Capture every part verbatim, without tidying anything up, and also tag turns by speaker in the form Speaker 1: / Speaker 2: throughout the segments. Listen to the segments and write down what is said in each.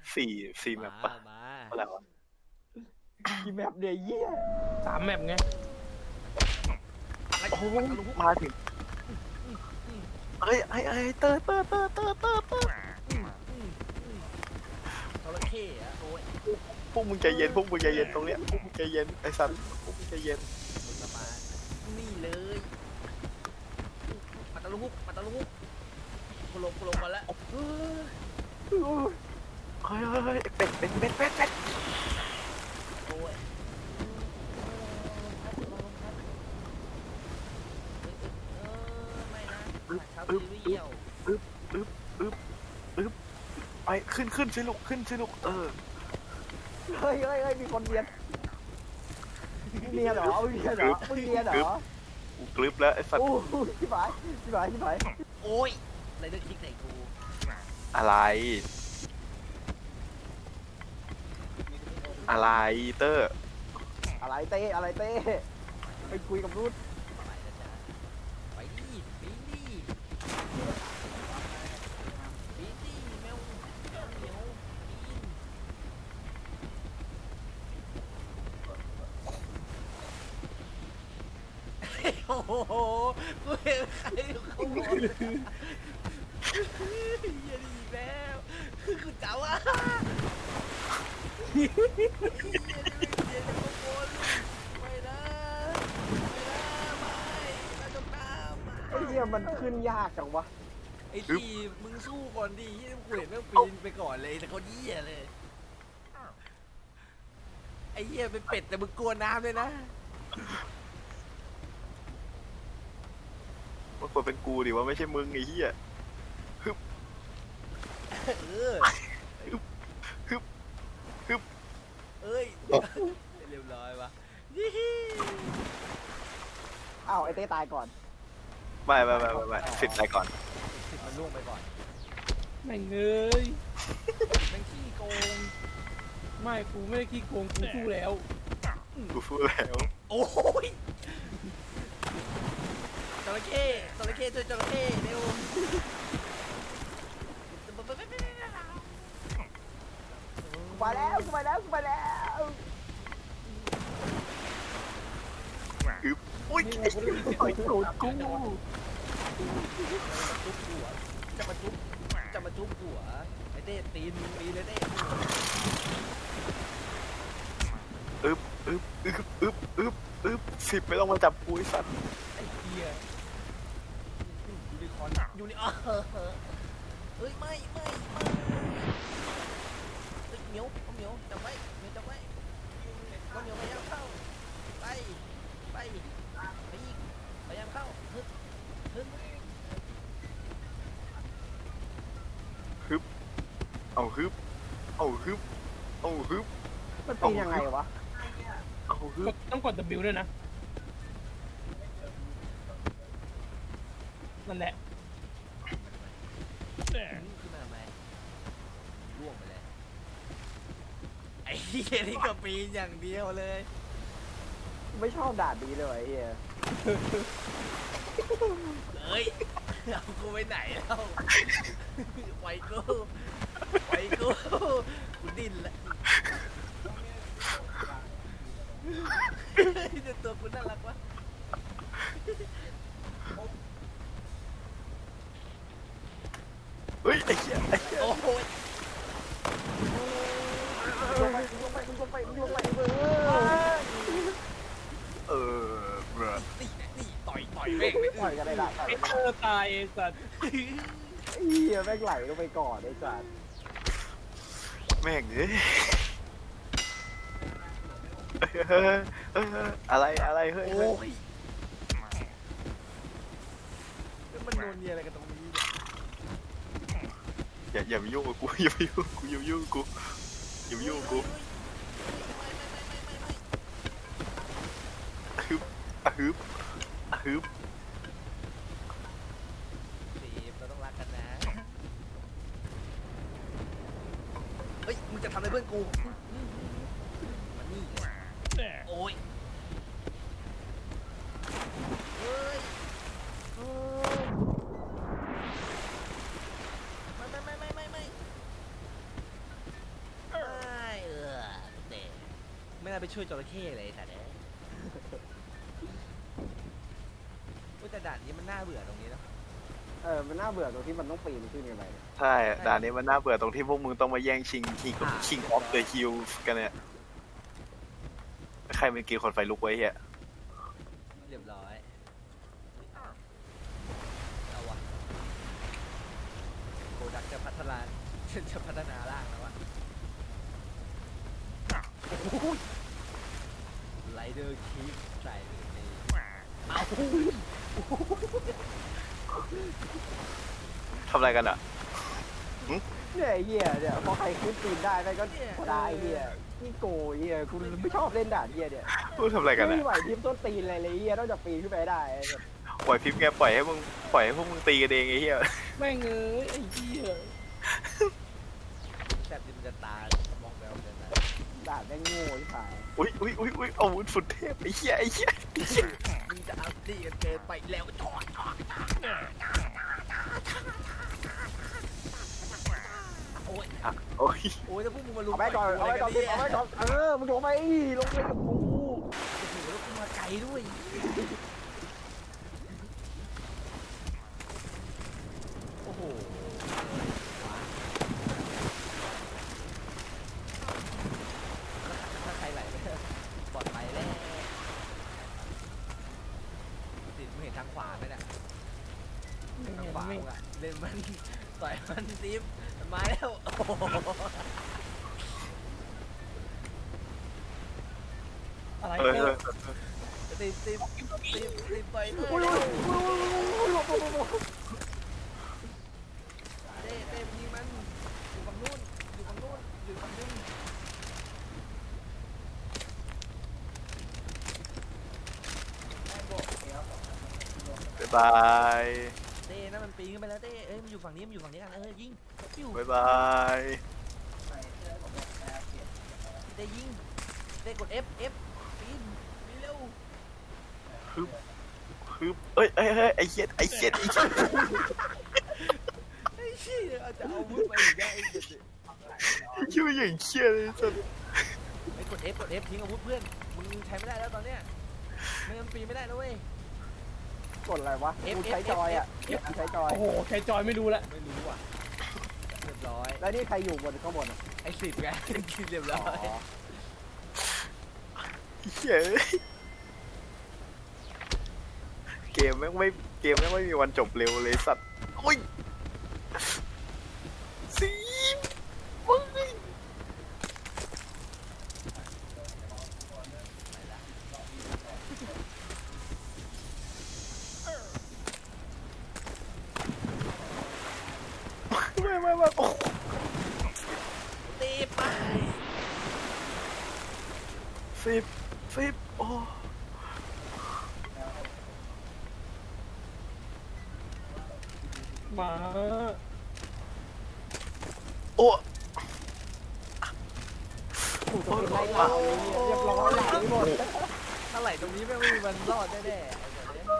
Speaker 1: สี่สี่แม
Speaker 2: มา
Speaker 1: ปปะ
Speaker 2: มา
Speaker 1: อะไรวะ
Speaker 3: กี่แมปเนี่ยเยี่ย
Speaker 4: สามแมปไง
Speaker 2: อะไร
Speaker 1: โอ้
Speaker 2: ปัดตะลุก
Speaker 1: มาถึงเฮ้ยไอ้ไอ้เตอร์เตอร์เตอร์เตอร์เตอร์เตอร์
Speaker 2: จระเข้อะโอ้ย
Speaker 1: พวกมึงใจเย็นพวกมึงใจเย็นตรงเนี้ยพวกมึงใจเย็นไอ้สันพวกมึงใจเย็น
Speaker 2: มึงจะมานี่เลยปัดตะลุกปัดตะลุกกูลงกูลงมาแล้วเฮ้ย
Speaker 1: เฮ้ยเฮ้ยเฮ้ยเป็ดเป็ดเป็ดเป็ดเป็ด
Speaker 2: โอ้ยเออไม่นะชาวซีรีส์
Speaker 1: อึ๊บอึ๊บอึ๊บอึ๊บไปขึ้นขึ้นสิลูกขึ้นสิลูกเออ
Speaker 3: เฮ้ยเฮ้ยเฮ้ยมีคนเรียนเรียนเหรอเรียนเหรอมึงเรียนเหรอ
Speaker 1: กูกรึบแล้วไอ้สัตว์
Speaker 3: โอ้ยชิบหายชิบหายชิบหาย
Speaker 2: โอ้ยอะไรเลือกคลิกไหนกู
Speaker 1: อะไรอะไรเตอร์
Speaker 3: อะไรเต้อะไรเต้ไปคุยกับรุ่น
Speaker 2: ไปนะจ๊ะไปดิไปดิไปดิแมวแมวเหมียวปีนโอ้โหกูเห็นใครเขาบอกอย่าดีแล้วคือเจ้าอ่ะอย่าดีอย่าดีโกนไม่นะไม่นะไม่นะจงน้ำ
Speaker 3: ไอ้เหี้ยมันขึ้นยากจังวะ
Speaker 2: ไอ้ทีมึงสู้ก่อนดิที่กูเห็นแม่งปีนไปก่อนเลยแต่เขาเหี้ยเลยไอ้เหี้ยเป็นเป็ดแต่มึงกลัวน้ำเลยนะ
Speaker 1: มันควรเป็นกูดิว่าไม่ใช่มึงไอ้เหี้ย
Speaker 2: เออ
Speaker 1: ฮึบฮึบฮึบ
Speaker 2: เอ้ยเรียบร้อยวะยี่ฮี
Speaker 3: อ้าวไอ้เต้ตายก่อน
Speaker 1: ไม่ไม่ไม่ไม่ไม่สิบไปก่อน
Speaker 2: สิบมันล่วงไปก่อน
Speaker 4: แม่งเอ้ย
Speaker 2: แม่งขี้โกง
Speaker 4: ไม่กูไม่ได้ขี้โกงกูสู้แล้ว
Speaker 1: กูพูดแล้ว
Speaker 2: โอ้ยจระเข้จระเข้ช่วยจระเข้เร็ว
Speaker 3: กูไปแล้วกูไปแล้วกูไปแล้ว
Speaker 1: อึ๊บอุ้ยไอ้เหี้ยต่อยโดนกู
Speaker 2: จุ๊บหัวจะมาจุ๊บจะมาจุ๊บหัวไอ้เต้ตีนตีนเลยเต้
Speaker 1: อึ๊บอึ๊บอึ๊บอึ๊บอึ๊บอึ๊บสิบไม่ต้องมาจับกูไอ้สัตว์
Speaker 2: ไอ้เหี้ยยูนิคอร์นยูนิเออเฮ้ยไม่ไม่ไม่เฮ้ยเหมียวเอาเหมียวจับไว้เหมียวจับไว้ก็เหมียวพยายามเข้าไปไปไปอีกพยายามเข้าฮึบฮึบ
Speaker 1: ฮึบเอาฮึบเอาฮึบเอาฮึบ
Speaker 3: มันเป็นยังไงวะ
Speaker 1: เอาฮึ
Speaker 4: ก
Speaker 1: บ
Speaker 4: ดต้องกด W ด้วยนะ นั่นแหละ
Speaker 2: ขึ้นมาทำไมล่วงไปเลยไอ้เหี้ยนี่ก็ปีนอย่างเดียวเลย
Speaker 3: ไม่ชอบด่านนี้เลยไอ้เหี้ย
Speaker 2: เอ้ยเอากูไปไหนแล้วไปกูไปกูกูดิ้นละเดี๋ยวตัวกูน่ารักวะ
Speaker 1: เฮ้ยไอ้เหี้ยไอ้เหี้ย
Speaker 2: โอ้โห
Speaker 3: ลงไปลงไปลงไปลงไปเออ
Speaker 1: เออเบรอ
Speaker 2: นี่นี่ต่อยต่อยแม่งเลย
Speaker 3: ปล่อยกันได้ละปล่อย
Speaker 4: ไอ้
Speaker 3: กัน
Speaker 4: เธ
Speaker 3: ได้
Speaker 4: อตายไอ้สัตว์
Speaker 3: ไอ้เหี้ยแม่งไหลลงไปก่อนไอ้สัส
Speaker 1: แม่งเอ้ยเฮ้ยเฮ้ยเฮ้ยอะไรอะไรเฮ้ย
Speaker 2: โอ้
Speaker 1: เฮ้ย
Speaker 2: ยแล้วมันโดนเนียอะไรกันตรงนี้เนี่ย
Speaker 1: อย่าอย่ามายุ่งกับกูอย่ามายุ่งกับกูอย่ามายุ่งกับกูอย่ามายุ่งกับกูฮึบอะฮึบอะฮึบ
Speaker 2: สีเราต้องรักกันนะเฮ้ยมึงจะทำอะไรเพื่อนกูมานี่โอ้ยเฮ้ยไม่ไม่ไม่ไม่ไม่ไม่ไปช่วยจระเข้เลยแต่เนี่ยแต่ด่านนี้มันน่าเบื่อตรงนี้เนาะ
Speaker 3: เออมันน่าเบื่อตรงที่มันต้องปีนขึ้นกันไปเนี่ย
Speaker 1: ใช่ด่านนี้มันน่าเบื่อตรงที่พวกมึงต้องมาแย่งชิงคิงคิงออฟเดอะฮิลกันเนี่ยใครเป็นกีคนไฟลุกไว้เฮีย
Speaker 2: เรียบร้อยเอาวะโกดักจะพัฒนา จะพัฒนาร่างแล้ววะไลเดอร์คีฟใส่ไปเลยเอา
Speaker 1: ทำอะไรกันอ่ะ
Speaker 3: เนี่ยไอ้เหี้ยเนี่ยพอใครขึ้นปีนได้ไปก็ได้ไอ้เหี้ยนี่โกยเหี้ยคุณไม่ชอบเล่นด่านเหี้ยเนี่ย
Speaker 1: พูดทำอะไรกัน
Speaker 3: ไม่
Speaker 1: อ่ะ
Speaker 3: มีไหวพริบต้นตีนอะไรเลยเหี้ยนอกจากปีนขึ้นไปได้
Speaker 1: ปล่อยพิมพ์แกปล่อยให้มึงปล่อยให้พวกมึงตีกันเองไอ้เหี้ย
Speaker 4: แม่งเอ้ยไอ้เหี้ย
Speaker 2: แต่ดิมันจะตายมองแล้วจะตาย
Speaker 3: ด่านแม่งโง่ที่ผาย
Speaker 1: อุ้ยอุ้ยอุ้ยอุ้ยอาวุธสุดเทพไอ้เหี้ยไอ้เหี้ยไอ้เหี้ย
Speaker 2: มึงจะเอาตีกันเกินไปแล้วจอดจอดโอ้ย
Speaker 1: อ่ะโอ้ย
Speaker 2: โอ้ยถ้าพวกมึงมาลุม
Speaker 3: เอาไว้ก่อนเอาไว้ก่อนเอาไว้ก่อนเออมึงลงไปลงไปกับกู
Speaker 2: โอ้โหแล้วกูมาไกลด้วยโอ้โหถ้าใครไหลไปปลอดภัยแล้วติดมึงเห็นทางขวาไหมเนี่ย
Speaker 4: ไม่
Speaker 2: ทาง
Speaker 4: เห็น
Speaker 2: ขวา
Speaker 4: ไม่
Speaker 2: มึงอะเล่นมันต่อยมันซิฟมันมาแล้วโอ้โห
Speaker 4: อะไร
Speaker 1: เออ
Speaker 4: เนี่ย
Speaker 2: ซิฟซิฟซิฟซิฟไปเล
Speaker 3: อุ้ย
Speaker 2: ย
Speaker 3: อุ้ยหลบหลบหลบ
Speaker 2: เต้เต้ยิงมันอยู่ฝั่งนู้นอยู่ฝั่งนู้นอยู่ฝั่งนู้น
Speaker 1: บ๊ายบาย
Speaker 2: เต้นั่นมันปีนขึ้นไปแล้วเต้เอ้ยมันอยู่ฝั่งนี้มันอยู่ฝั่งนี้กันเออยิงปิ้ว
Speaker 1: บ๊ายบาย
Speaker 2: เต้ยิงเต้กด F F ปีนปีนเร็ว
Speaker 1: ฮึบฮึบเอ้ยเอ้ยเอ้ยไอ้เหี้ยไอ้เหี้ยไอ้เหี้ย
Speaker 2: ไอ้เชี่ยอาจจะเอาวุธมาอีกได้ไอ้เด็ด
Speaker 1: ชื่ออย่างเชี่ยเลยสัส
Speaker 2: ไอ้กด F กด F ทิ้งอาวุธเพื่อนมึงใช้ไม่ได้แล้วตอนเนี้ยไม่งั้นปีนไม่ได้นะเว้ย
Speaker 3: กดอะไรวะกูใช้จอยอ่ะกูใช้จอย
Speaker 4: โอ้โหใครจอยไม่รู้ละ
Speaker 2: ไม่รู้อ่ะเรียบร้อย
Speaker 3: แล้วนี่ใครอยู่บนข้างบน
Speaker 2: ไอ้สิบไง เรียบร้อย
Speaker 1: เหี้ยเกมแม่งไม่เกมแม่งไม่มีวันจบเร็วเลยสัตว์อุ้ยสีมึงไม่ไม่ไม่โอ้
Speaker 2: ตีไป
Speaker 1: สิบสิบโอ้
Speaker 4: หมา
Speaker 1: โอ้
Speaker 3: กูจะเป็นไรเราเรียบร้อยไหลหมด
Speaker 2: ถ้าไหลตรงนี้แม่งไม่มีวันรอดแน่ๆไอ้เดี๋ยวนี้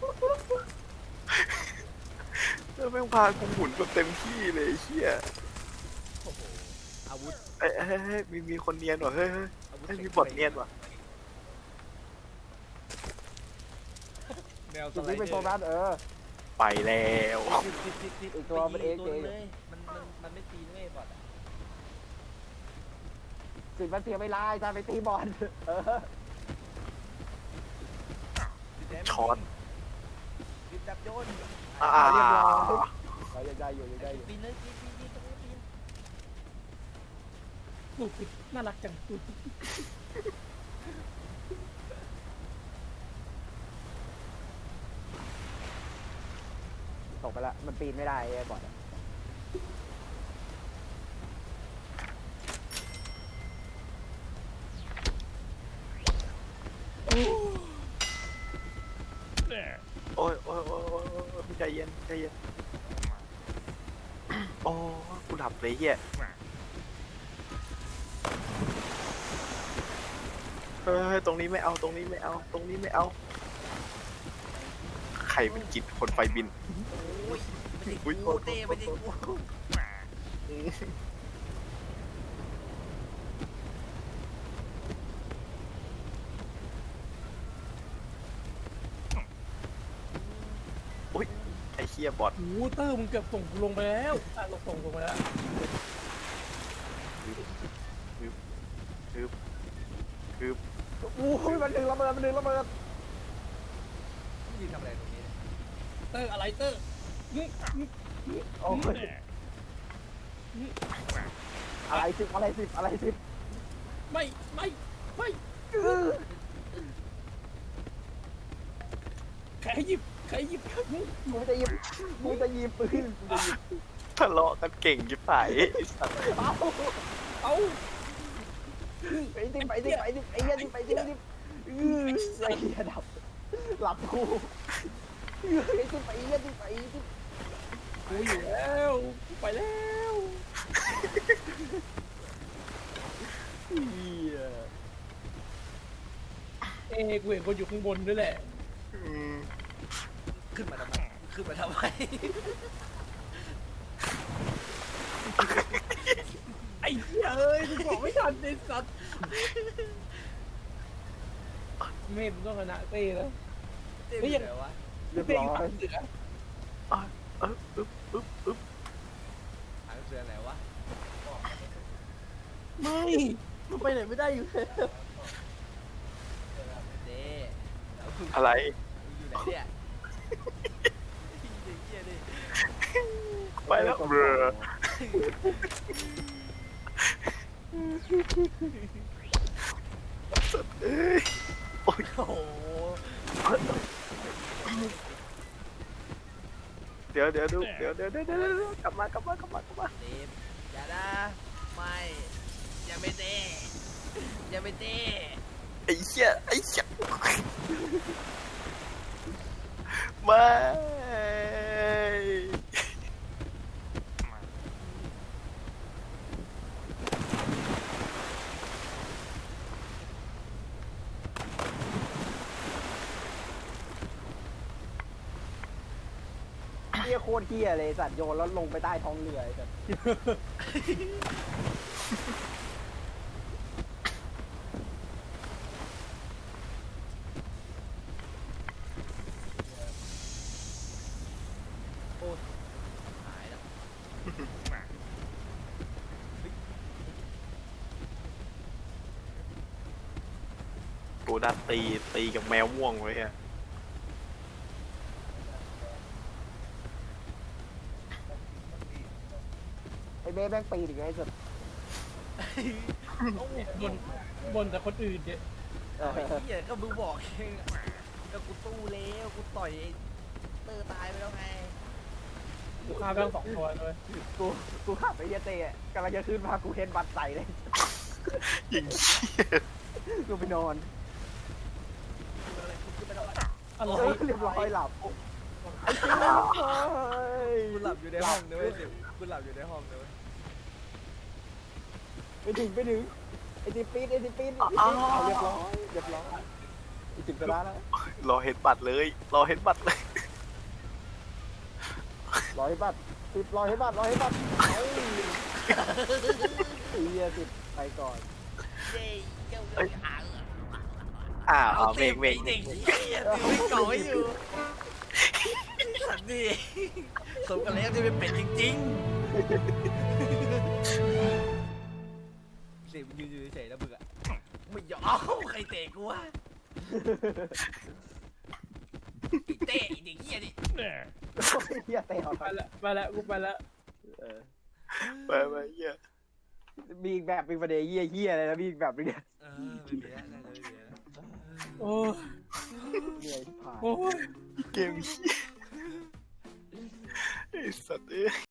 Speaker 1: แล้วแม่งพากูหมุนแบบเต็มที่เลยไอ้เฮีย
Speaker 2: โอ้โหอาวุธ
Speaker 1: เอ้ยเอ้ยเฮ้ยมีมีคนเนียนว่ะเฮ้ยเฮ้ย
Speaker 2: อาวุธ
Speaker 1: เฮ้ยมีบอทเนียนว่ะ
Speaker 2: แนวส
Speaker 3: จุด
Speaker 2: ไล
Speaker 3: นี้
Speaker 2: เด
Speaker 3: เป็น
Speaker 2: อ
Speaker 3: โซ
Speaker 2: ร์
Speaker 3: นัสเออ
Speaker 1: ไปแล้ว
Speaker 2: ติดติดติดติด
Speaker 3: อีกตัวมันเอง
Speaker 2: ไปยิ
Speaker 3: เอง
Speaker 2: เลยมันมันมันไม่ตีด้วยบอทอะ
Speaker 3: สิบมันเสียเวลาจะไปตีบอลเออ
Speaker 2: ติดแดง
Speaker 1: ช็อต
Speaker 2: ติดจับโยน
Speaker 1: อ่า
Speaker 3: เรียบร้อยเรายังได้อยู่ยังได้อยู่
Speaker 2: ปีนเลยปีนปีนปีนตรงนี้ปีน
Speaker 4: ลูกน่ารักจัง
Speaker 3: ตกไปละมันปีนไม่ได้ไอ้บอล
Speaker 1: โอ้ยโอ้ยโอ้ยโอ้ยโอ้ยใจเย็นใจเย็นโอ้กูดับเลยเฮียเฮ้ยตรงนี้ไม่เอาตรงนี้ไม่เอาตรงนี้ไม่เอาใครเป็นกิจคนไฟบิน
Speaker 2: โอ้ยไม่ได้
Speaker 1: อุ๊ย
Speaker 2: กูเต้ไม่ได้กู
Speaker 1: อฮียบอท
Speaker 4: โอ้เตอร์มึงเกือบส่งกูลงไปแล้วอ่ะลงส่งลงไปแล้ว
Speaker 3: โอ้ยมันดึงระเบิดมันดึงระเบิด
Speaker 2: ยืนทำอะไรตรงนี้
Speaker 4: เตอร์อะไรเตอร์นี่นี่นี่
Speaker 3: โอ้ยอะไรสิบอะไรสิบอะไรสิบ
Speaker 4: ไม่ไม่ไม่ใครหยิบใครหยิบ
Speaker 3: กูจะหยิบกูจะหยิบปืนกูจะหยิบ
Speaker 1: ทะเลาะกันเก่งจิ๋ไปไอ้สัตว์
Speaker 3: เอา
Speaker 4: เอา
Speaker 3: ไปดิไปดิไปดิไอ้เหี้ยดิไปดิดิอือไอ้เหี้ยดับหลับกูไอ้ดิไปเหี้ยดิไปดิ
Speaker 4: กูอยู่แล้วกูไปแล้ว
Speaker 3: เหี้ย
Speaker 4: เอ้กูเห็นคนอยู่ข้างบนด้วยแหละ
Speaker 1: อืม
Speaker 2: ขึ้นมาทำไมขึ้นมาทำไม
Speaker 4: ไอ้เหี้ยเอ้ยกูบอกไม่ทันไอ้สัตว์เมธต้องชนะเต้แล้ว
Speaker 2: เต้เป็นไงวะ
Speaker 3: เรียบ
Speaker 4: เต้
Speaker 3: ร้
Speaker 4: อ
Speaker 3: อยู่
Speaker 4: หลั
Speaker 3: ย
Speaker 4: งเสือ
Speaker 1: เอออึ๊บอึ๊บอึ๊บ
Speaker 2: หางเสือไหนวะ
Speaker 3: ไม่มันไปไหนไม่ได้อยู่แล้ว
Speaker 2: เต้แล้วมึง
Speaker 1: อะไร
Speaker 2: อยู่ไหนเนี่ยเหี้ยดิ
Speaker 1: ไปแล้วเบรอเอ้ยโอ้ย
Speaker 2: โอ้โห
Speaker 1: เดี๋ยวเดี๋ยวดูเดี๋ยวเดี๋ยวเดี๋ยวเดี๋ยวเดี๋ยวกลับมากลับมากลับมากลับมา
Speaker 2: เต้อย่านะไม่อย่าไม่เต้อย่าไม่เต้
Speaker 1: ไอ้เหี้ยไอ้เหี้ยไม่
Speaker 3: เหี้ยโคตรเหี้ยเลยสัตว์โยนแล้วลงไปใต้ท้องเรือไอ้สัตว์
Speaker 2: หายแล้ว
Speaker 1: กูนัดตีตีกับแมวม่วงไว้ฮะ
Speaker 3: ไอ้เบ้แม่งปีนอีกไงไอ้สัตว์
Speaker 4: บนบนแต่คนอื่นเนี่ย
Speaker 3: เอ
Speaker 2: ไอ้
Speaker 3: อ
Speaker 2: เหี้ยก็มึงบอกเองอะก็กูตู้แล้วกูต่อยไอ้เตอร์ตายไปแล้วไง
Speaker 4: กูฆ่าไปทั้งสองตัวเลย
Speaker 3: กูกูขับไปเหี้ยเตะกำลังจะขึ้นมากูเห็นบัตรใส่เลย
Speaker 1: ยิงเหี้ย
Speaker 3: กูไปนอน
Speaker 4: อะไร
Speaker 3: เออเรียบร้อยหลับไอ้เจ้าเฮ้ย
Speaker 2: กูหลับอยู่ในห้องนะเว้ยสิกูหลับอยู่ในห้องนะเว้ย
Speaker 3: ไปถึงไปถึงไอ้ติปีดไอ้ติปีดเอาเรียบร้อยเรียบร้อยไอ้ติมชนะแล้ว
Speaker 1: รอเห็นบัตรเลยรอเห็นบัตรเลย
Speaker 3: ร้อยบัตรติดร้อยบัตรร้อยบัตรเฮ้ยเฮียติดไปก่อน
Speaker 2: เย้เจ้าเจ้าหาง
Speaker 1: อ้าว
Speaker 2: เอา
Speaker 1: เบร
Speaker 2: เต็
Speaker 1: ก
Speaker 2: ม
Speaker 1: เบรก
Speaker 2: เด็กเหี้ยไม่เก่าให้อยู่สัตว์นี่สมกันแล้วที่เป็นเป็ดจริงๆเสียงยืนอยู่เฉยๆแล้วมึงอะไม่ยอมใครเตะกูวะไอ้เตะไอ้เด็กเหี้ยดิ
Speaker 3: เฮียเตะออก
Speaker 4: ไปละไปละกูไปละ
Speaker 1: ไปไปเหี้ย
Speaker 3: มีอีกแบบเป็นประเดี๋ยวเฮียเฮียอะไรนะมีอีกแบบนึงเนี่ย
Speaker 2: เออไม่มีแล้วน่าจะไม่มีแล้ว
Speaker 4: โอ้
Speaker 3: เหนื่อยผ่าน
Speaker 4: โอ้ย
Speaker 1: เกมเหี้ยไอ้สัตว์เอ้ย